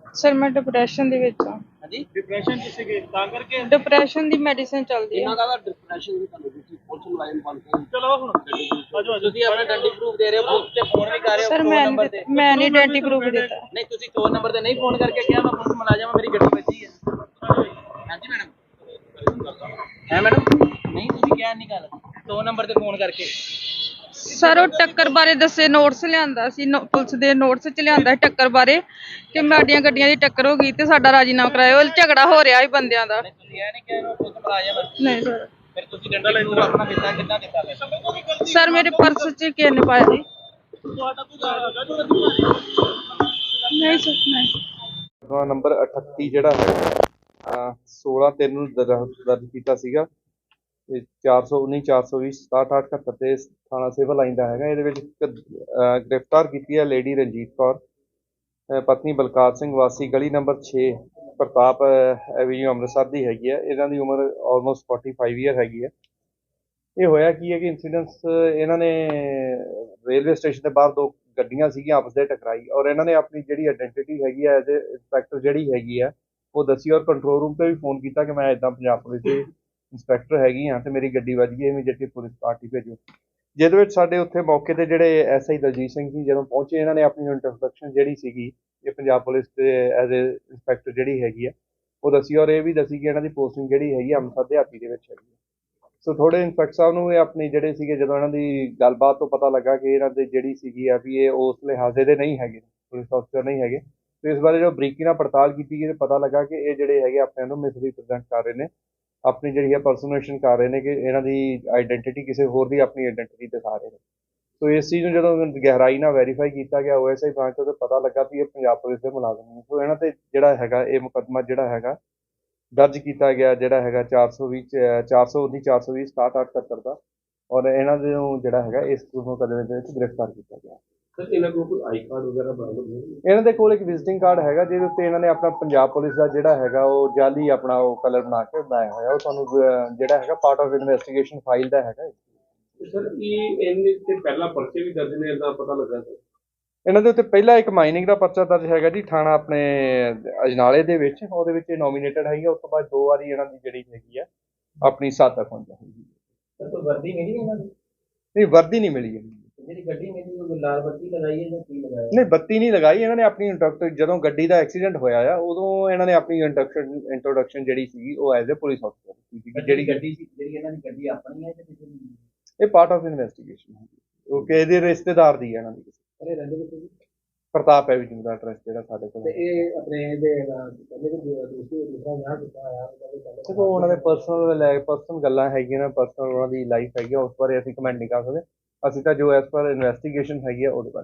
Sir ਮੈਂ depression ਦੇ ਵਿੱਚ ਹਾਂ। ਹਾਂਜੀ ਡਿਪਰੈਸ਼ਨ ਚ ਸੀਗੇ ਤਾਂ ਕਰਕੇ ਡਿਪਰੈਸ਼ਨ ਦੀ ਮੈਡੀਸਿਨ ਚੱਲਦੀ ਇਹਨਾਂ ਹੈ। ਦਾ ਡਿਪਰੈਸ਼ਨ ਵੀ ਤੁਹਾਨੂੰ ਦਿੱਤੀ ਪੁਲਿਸ ਮੁਲਾਜ਼ਮ ਬਣ ਕੇ ਚਲੋ ਹੁਣ ਆਜੋ ਤੁਸੀਂ ਆਪਣਾ ਆਇਡੈਂਟੀ ਪ੍ਰੂਫ ਦੇ ਰਹੇ ਹੋ ਬੂਥ ਤੇ ਫੋਨ ਵੀ ਕਰ ਰਹੇ ਹੋ ਸਰ ਫੋਨ ਨੰਬਰ ਤੇ ਮੈਂ ਨਹੀਂ ਆਇਡੈਂਟੀ ਪ੍ਰੂਫ ਦਿੱਤਾ। ਨਹੀਂ ਤੁਸੀਂ ਫੋਨ ਨੰਬਰ ਤੇ ਨਹੀਂ ਫੋਨ ਕਰਕੇ ਕਿਹਾ ਮੈਂ ਪੁਲਿਸ ਮੁਲਾਜ਼ਮ ਮੇਰੀ ਗੱਡੀ ਵੱਜੀ ਹੈ ਹਾਂਜੀ ਮੈਡਮ ਹੈ ਮੈਡਮ ਨਹੀਂ ਤੁਸੀਂ ਕਿਹਾ ਨਹੀਂ ਗੱਲ 2 ਨੰਬਰ ਤੇ ਫੋਨ ਕਰਕੇ ਸਰ ਉਹ ਟੱਕਰ ਬਾਰੇ ਦੱਸੇ ਨੋਟਸ ਲਿਆਂਦਾ ਸੀ ਪੁਲਿਸ ਦੇ ਨੋਟਸ ਚ ਲਿਆਂਦਾ ਟੱਕਰ ਬਾਰੇ ਕਿ ਸਾਡੀਆਂ ਗੱਡੀਆਂ ਦੀ ਟੱਕਰ ਹੋ ਗਈ ਤੇ ਸਾਡਾ ਰਾਜੀਨਾਮਾ ਕਰਾਇਓ ਝਗੜਾ ਹੋ ਰਿਹਾ ਸੀ ਬੰਦਿਆਂ ਦਾ। ਤੁਸੀਂ ਇਹ ਨਹੀਂ ਕਿਹਾ ਇਹਨੂੰ ਪੁਲਿਸ ਮੁਲਾਜ਼ਮ ਨਹੀਂ ਸਰ। ਫਿਰ ਤੁਸੀਂ ਡੰਡਾ ਪ੍ਰੂਫ ਆਪਣਾ ਦਿੱਤਾ ਕਿੰਨਾ ਦਿੱਤਾ ਸਰ ਮੇਰੇ ਪਰਸ ਚ ਕਿਸੇ ਨੇ ਪਾਇਆ ਜੀ। ਤੁਹਾਡਾ ਕੋਈ ਨਹੀਂ ਸਰ ਨਹੀਂ। ਨੰਬਰ 38 ਜਿਹੜਾ ਹੈ 16/3 ਨੂੰ ਦਰਜ ਕੀਤਾ ਸੀਗਾ। 419 420 6778 ਤੇ ਥਾਣਾ ਸਿਵਲ ਲਾਈਨ ਦਾ ਹੈਗਾ। ਇਹਦੇ ਵਿੱਚ ਗ੍ਰਿਫਤਾਰ ਕੀਤੀ ਹੈ ਲੇਡੀ ਰਣਜੀਤ ਕੌਰ ਪਤਨੀ ਬਲਕਾਰ ਸਿੰਘ ਵਾਸੀ ਗਲੀ ਨੰਬਰ 6 ਪ੍ਰਤਾਪ ਐਵੀਨਿਊ ਅੰਮ੍ਰਿਤਸਰ ਦੀ ਹੈਗੀ ਹੈ। ਇਹਨਾਂ ਦੀ ਉਮਰ ਆਲਮੋਸਟ 45 ਈਅਰ ਹੈਗੀ ਹੈ। ਇਹ ਹੋਇਆ ਕੀ ਹੈ ਕਿ ਇੰਸੀਡੈਂਟਸ ਇਹਨਾਂ ਨੇ ਰੇਲਵੇ ਸਟੇਸ਼ਨ ਦੇ ਬਾਹਰ 2 ਗੱਡੀਆਂ ਸੀਗੀਆਂ ਆਪਸ ਦੇ ਟਕਰਾਈ ਔਰ ਇਹਨਾਂ ਨੇ ਆਪਣੀ ਜਿਹੜੀ ਆਇਡੈਂਟੀਟੀ ਹੈਗੀ ਹੈ ਐਜ਼ ਇੰਸਪੈਕਟਰ ਜਿਹੜੀ ਹੈਗੀ ਹੈ ਉਹ ਦੱਸੀ ਔਰ ਕੰਟਰੋਲ ਰੂਮ ਤੇ ਵੀ ਫੋਨ ਕੀਤਾ ਕਿ ਮੈਂ ਇੱਦਾਂ ਪੰਜਾਬ ਪੁਲਿਸ ਦੇ ਇੰਸਪੈਕਟਰ ਹੈਗੀ ਹਾਂ ਤੇ ਮੇਰੀ ਗੱਡੀ ਵੱਜ ਗਈ ਇਮੀਡੀਏਟਲੀ ਪੁਲਿਸ ਪਾਰਟੀ ਭੇਜੋ। ਜਿਹਦੇ ਵਿੱਚ ਸਾਡੇ ਉੱਥੇ ਮੌਕੇ ਤੇ ਜਿਹੜੇ ਐਸਆਈ ਦਲਜੀਤ ਸਿੰਘ ਜੀ ਜਦੋਂ ਪਹੁੰਚੇ ਇਹਨਾਂ ਨੇ ਆਪਣੀ ਇੰਟਰੋਡਕਸ਼ਨ ਜਿਹੜੀ ਸੀਗੀ ਇਹ ਪੰਜਾਬ ਪੁਲਿਸ ਦੇ ਐਜ਼ ਇੰਸਪੈਕਟਰ ਜਿਹੜੀ ਹੈਗੀ ਹੈ ਉਹ ਦੱਸੀ ਔਰ ਇਹ ਵੀ ਦੱਸੀ ਕਿ ਇਹਨਾਂ ਦੀ ਪੋਸਟਿੰਗ ਜਿਹੜੀ ਹੈਗੀ ਅੰਮ੍ਰਿਤਸਰ ਦਿਹਾਤੀ ਦੇ ਵਿੱਚ ਹੈਗੀ ਹੈ। ਸੋ ਥੋੜੇ ਇੰਸਪੈਕਟਰ ਸਾਹਿਬ ਨੂੰ ਇਹ ਆਪਣੀ ਜਿਹੜੇ ਸੀਗੇ ਜਦੋਂ ਇਹਨਾਂ ਦੀ ਗੱਲਬਾਤ ਤੋਂ ਪਤਾ ਲੱਗਾ ਕਿ ਇਹਨਾਂ ਦੀ ਜਿਹੜੀ ਸੀਗੀ ਆ ਵੀ ਇਹ ਉਸ ਲਿਹਾਜ਼ੇ ਦੇ ਨਹੀਂ ਹੈਗੇ ਪੁਲਿਸ ਅਫਸਰ ਨਹੀਂ ਹੈਗੇ ਤੇ ਇਸ ਬਾਰੇ ਜੋ ਬਰੀਕੀ ਨਾਲ ਪੜਤਾਲ ਕੀਤੀ ਗਈ ਤੇ ਪਤਾ ਲੱਗਾ ਕਿ ਇਹ ਜਿਹੜੇ ਹੈਗੇ ਆਪਣੇ ਨੂੰ ਮਿਸਰੀਪ੍ਰੈਜ਼ੈਂਟ ਕਰ ਰਹੇ ਨੇ ਆਪਣੀ ਜਿਹੜੀ ਹੈ ਪਰਸਨੇਸ਼ਨ ਕਰ ਰਹੇ ਨੇ ਕਿ ਇਹਨਾਂ ਦੀ ਆਇਡੈਂਟੀਟੀ ਕਿਸੇ ਹੋਰ ਦੀ ਆਪਣੀ ਆਇਡੈਂਟੀਟੀ ਦਿਖਾ ਰਹੇ ਨੇ। ਸੋ ਇਸ ਚੀਜ਼ ਨੂੰ ਜਦੋਂ ਗਹਿਰਾਈ ਨਾਲ ਵੈਰੀਫਾਈ ਕੀਤਾ ਗਿਆ ਓਐਸਆਈ ਬ੍ਰਾਂਚ ਤੋਂ ਪਤਾ ਲੱਗਾ ਵੀ ਇਹ ਪੰਜਾਬ ਪੁਲਿਸ ਦੇ ਮੁਲਾਜ਼ਮ ਨੇ। ਸੋ ਇਹਨਾਂ ਤੇ ਜਿਹੜਾ ਹੈਗਾ ਇਹ ਮੁਕੱਦਮਾ ਜਿਹੜਾ ਹੈਗਾ ਦਰਜ ਕੀਤਾ ਗਿਆ ਜਿਹੜਾ ਹੈਗਾ 419 420 6778 ਦਾ ਔਰ ਇਹਨਾਂ ਦੇ ਜਿਹੜਾ ਹੈਗਾ ਇਸ ਮੁਕੱਦਮੇ ਦੇ ਵਿੱਚ ਗ੍ਰਿਫਤਾਰ ਕੀਤਾ ਗਿਆ। ਸਰ ਇਹਨਾਂ ਕੋਲ ਕੋਈ ਆਈ ਕਾਰਡ ਵਗੈਰਾ ਬਰਾਮਦ ਹੋਇਆ? ਇਹਨਾਂ ਦੇ ਕੋਲ ਇੱਕ ਵਿਜ਼ਿਟਿੰਗ ਕਾਰਡ ਹੈਗਾ ਜਿਹਦੇ ਉੱਤੇ ਇਹਨਾਂ ਨੇ ਆਪਣਾ ਪੰਜਾਬ ਪੁਲਿਸ ਦਾ ਜਿਹੜਾ ਹੈਗਾ ਉਹ ਜਾਲੀ ਆਪਣਾ ਉਹ ਕਲਰ ਬਣਾ ਕੇ ਬਣਾਇਆ ਹੋਇਆ। ਉਹ ਤੁਹਾਨੂੰ ਜਿਹੜਾ ਹੈਗਾ ਪਾਰਟ ਆਫ ਇਨਵੈਸਟੀਗੇਸ਼ਨ ਫਾਈਲ ਦਾ ਹੈਗਾ। ਸਰ ਇਹ ਇਹਦੇ ਤੇ ਪਹਿਲਾਂ ਪਰਚੇ ਵੀ ਦਰਜ ਨੇ ਇਹਦਾ ਪਤਾ ਲੱਗਾ ਸਰ? ਇਹਨਾਂ ਦੇ ਉੱਤੇ ਪਹਿਲਾਂ ਇੱਕ ਮਾਈਨਿੰਗ ਦਾ ਪਰਚਾ ਦਰਜ ਹੈਗਾ ਜੀ ਥਾਣਾ ਆਪਣੇ ਅਜਨਾਲੇ ਦੇ ਵਿੱਚ ਉਹਦੇ ਵਿੱਚ ਇਹ ਨੋਮੀਨੇਟਡ ਹੈਗੀ। ਉਸ ਤੋਂ ਬਾਅਦ 2 ਵਾਰੀ ਇਹਨਾਂ ਦੀ ਜਿਹੜੀ ਹੈਗੀ ਆ ਆਪਣੀ ਸਾਥ ਪਹੁੰਚੀ ਹੈਗੀ। ਸਰ ਵਰਦੀ ਮਿਲੀ ਇਹਨਾਂ ਨੂੰ? ਨਹੀਂ ਵਰਦੀ ਨਹੀਂ ਮਿਲੀ ਹੈਗੀ। ਜਿਹੜੀ ਗੱਡੀ ਮਿਲੀ ਉਹ ਲਾਲ ਬੱਤੀ ਲਗਾਈ ਹੈ ਜਾਂ ਕੀ ਲਗਾਇਆ? ਨਹੀਂ ਬੱਤੀ ਨਹੀਂ ਲਗਾਈ ਇਹਨਾਂ ਨੇ ਆਪਣੀ ਇੰਟਰੋਡਕਸ਼ਨ ਜਦੋਂ ਗੱਡੀ ਦਾ ਐਕਸੀਡੈਂਟ ਹੋਇਆ ਆ ਉਦੋਂ ਇਹਨਾਂ ਨੇ ਆਪਣੀ ਇੰਟਰੋਡਕਸ਼ਨ ਜਿਹੜੀ ਸੀਗੀ ਉਹ ਐਜ਼ ਅ ਪੁਲਿਸ ਅਫਸਰ ਸੀ। ਜਿਹੜੀ ਗੱਡੀ ਸੀ ਜਿਹੜੀ ਇਹਨਾਂ ਦੀ ਗੱਡੀ ਆਪਣੀ ਹੈ ਜਾਂ ਕਿਸੇ ਦੀ? ਇਹ ਪਾਰਟ ਆਫ ਇਨਵੈਸਟੀਗੇਸ਼ਨ ਹੈ ਉਹ ਕਿਸੇ ਦੇ ਰਿਸ਼ਤੇਦਾਰ ਦੀ ਹੈ ਇਹਨਾਂ ਦੀ। ਅਰੇ ਰਹਿੰਦੇ ਕਿੱਥੇ ਜੀ? ਪ੍ਰਤਾਪ ਐਵੀਨਿਊ ਦਾ ਐਡਰੈਸ ਜਿਹੜਾ ਸਾਡੇ ਕੋਲ ਤੇ ਇਹ ਆਪਣੇ ਦੇ ਕਹਿੰਦੇ ਕਿ ਦੂਸਰਾ ਵਿਆਹ ਕੀਤਾ ਹੋਇਆ ਦੇਖੋ ਉਹਨਾਂ ਦੇ ਪਰਸਨਲ ਗੱਲਾਂ ਹੈਗੀਆਂ ਨਾ ਪਰਸਨਲ ਉਹਨਾਂ ਦੀ ਲਾਈਫ ਹੈਗੀ ਉਸ ਬਾਰੇ ਅਸੀਂ ਕਮੈਂਟ ਨਹੀਂ ਕਰ ਸਕਦੇ। ਅਸੀਂ ਤਾਂ ਜੋ ਐਸ ਪਰ ਇਨਵੈਸਟੀਗੇਸ਼ਨ ਹੈਗੀ ਆ ਉਹਦੇ ਬਾਰੇ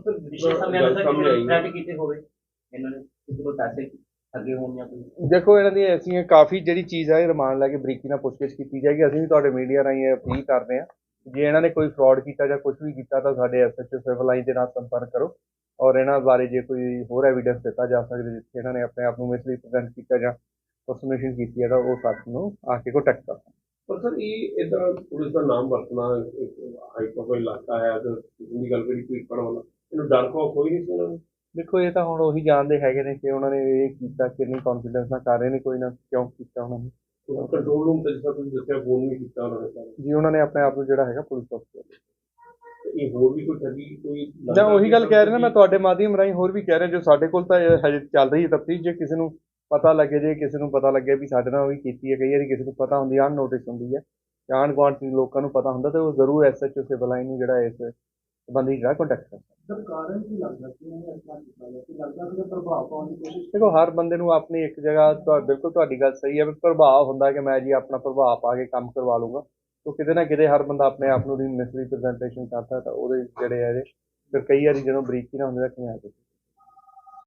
ਕੀਤੇ ਹੋਵੇ ਇਹਨਾਂ ਨੇ ਕਿਸੇ ਕੋਲ ਪੈਸੇ ਅੱਗੇ ਹੋਣ ਜਾਂ ਕੋਈ? ਦੇਖੋ ਇਹਨਾਂ ਦੀ ਐਸੀਆਂ ਕਾਫੀ ਜਿਹੜੀ ਚੀਜ਼ ਹੈ ਰਿਮਾਂਡ ਲੈ ਕੇ ਬਰੀਕੀ ਨਾਲ ਪੁੱਛਗਿੱਛ ਕੀਤੀ ਜਾਏਗੀ। ਅਸੀਂ ਵੀ ਤੁਹਾਡੇ ਮੀਡੀਆ ਰਾਹੀਂ ਇਹ ਅਪੀਲ ਕਰਦੇ ਹਾਂ ਜੇ ਇਹਨਾਂ ਨੇ ਕੋਈ ਫਰਾਡ ਕੀਤਾ ਜਾਂ ਕੁਝ ਵੀ ਕੀਤਾ ਤਾਂ ਸਾਡੇ ਐਸਐਚਓ ਸਿਵਲ ਲਾਈਨ ਦੇ ਨਾਲ ਸੰਪਰਕ ਕਰੋ ਔਰ ਇਹਨਾਂ ਬਾਰੇ ਜੇ ਕੋਈ ਹੋਰ ਐਵੀਡੈਂਸ ਦਿੱਤਾ ਜਾ ਸਕਦਾ ਜਿੱਥੇ ਇਹਨਾਂ ਨੇ ਆਪਣੇ ਆਪ ਨੂੰ ਮਿਸਰੀਪ੍ਰੈਜ਼ੈਂਟ ਕੀਤਾ ਜਾਂ ਪਰਸਨੇਸ਼ਨ ਕੀਤੀ ਹੈ ਤਾਂ ਉਹ ਸਾਡੇ ਨੂੰ ਆ ਕੇ ਕੰਟੈਕਟ ਕਰ ਸਕਦਾ। ਪਰ ਸਰ ਇਹ ਇਦਾਂ ਪੁਲਿਸ ਦਾ ਨਾਮ ਵਰਤਣਾ ਹਾਈ ਪ੍ਰੋਫਾਈਲ ਇਲਾਕਾ ਹੈ ਤੇ ਜਿੰਨੀ ਗੱਲ ਕਰੀ ਕੋਈ ਪੜਨ ਵਾਲਾ ਇਹਨੂੰ ਡਰ ਖੌਫ ਕੋਈ ਨਹੀਂ ਸੀ ਇਹਨਾਂ ਨੂੰ? ਦੇਖੋ ਇਹ ਤਾਂ ਹੁਣ ਉਹੀ ਜਾਣਦੇ ਹੈਗੇ ਨੇ ਕਿ ਉਹਨਾਂ ਨੇ ਇਹ ਕੀਤਾ ਕਿੰਨੀ ਕੌਨਫੀਡੈਂਸ ਨਾਲ ਕਰ ਰਹੇ ਨੇ ਕੋਈ ਨਾ ਕਿਉਂ ਕੀਤਾ ਉਹਨਾਂ ਨੇ। ਕੰਟਰੋਲ ਰੂਮ ਤੇ ਜਿੱਦਾਂ ਤੁਸੀਂ ਦੱਸਿਆ ਫੋਨ ਨਹੀਂ ਕੀਤਾ ਉਹਨਾਂ ਨੇ ਜੀ ਉਹਨਾਂ ਨੇ ਆਪਣੇ ਆਪ ਨੂੰ ਜਿਹੜਾ ਹੈਗਾ ਪੁਲਿਸ ਅਫਸਰ ਇਹ ਹੋਰ ਵੀ ਕੋਈ ਠੱਗੀ ਕੋਈ ਜਾਂ ਉਹੀ ਗੱਲ ਕਹਿ ਰਹੇ ਨਾ ਮੈਂ ਤੁਹਾਡੇ ਮਾਧਿਅਮ ਰਾਹੀਂ ਹੋਰ ਵੀ ਕਹਿ ਰਿਹਾ ਜੋ ਸਾਡੇ ਕੋਲ ਤਾਂ ਹਜੇ ਚੱਲ ਰਹੀ ਹੈ ਤਫਤੀਸ਼। ਜੇ ਕਿਸੇ ਨੂੰ ਪਤਾ ਲੱਗੇ ਜੇ ਕਿਸੇ ਨੂੰ ਪਤਾ ਲੱਗੇ ਵੀ ਸਾਡੇ ਨਾਲ ਵੀ ਕੀਤੀ ਹੈ ਕਈ ਵਾਰੀ ਕਿਸੇ ਨੂੰ ਪਤਾ ਹੁੰਦੀ ਅਨਨੋਟਿਸ ਹੁੰਦੀ ਹੈ ਆਂਢ ਗੁਆਂਢ ਦੇ ਲੋਕਾਂ ਨੂੰ ਪਤਾ ਹੁੰਦਾ ਤੇ ਉਹ ਜ਼ਰੂਰ ਐਸਐਚਓ ਸਿਵਲ ਲਾਈਨ ਨੂੰ ਜਿਹੜਾ ਇਸ ਸੰਬੰਧੀ ਜਿਹੜਾ ਕੰਟੈਕਟ ਕਰਦਾ। ਕਾਰਨ ਕੀ ਲੱਗਦਾ ਕਿ ਉਹਨੇ ਇਸ ਤਰ੍ਹਾਂ ਕੀਤਾ ਹੈ ਕਿ ਲੱਗਦਾ ਕਿ ਪ੍ਰਭਾਵ ਪਾਉਣ ਦੀ ਕੋਸ਼ਿਸ਼? ਦੇਖੋ ਹਰ ਬੰਦੇ ਨੂੰ ਆਪਣੀ ਇੱਕ ਜਗ੍ਹਾ ਬਿਲਕੁਲ ਤੁਹਾਡੀ ਗੱਲ ਸਹੀ ਹੈ ਵੀ ਪ੍ਰਭਾਵ ਹੁੰਦਾ ਕਿ ਮੈਂ ਜੀ ਆਪਣਾ ਪ੍ਰਭਾਵ ਪਾ ਕੇ ਕੰਮ ਕਰਵਾ ਲੂੰਗਾ। तो किते ना किते हर बंदा अपने आप ਨੂੰ ਮਿਸਰੀਪ੍ਰੈਜ਼ੈਂਟੇਸ਼ਨ ਕਰਦਾ ਤਾਂ ਉਹਦੇ ਜਿਹੜੇ ਹੈ ਫਿਰ ਕਈ ਵਾਰੀ ਜਦੋਂ ਬਰੀਕੀ ਨਾ ਹੁੰਦੇ ਤਾਂ ਕਿਵੇਂ ਆ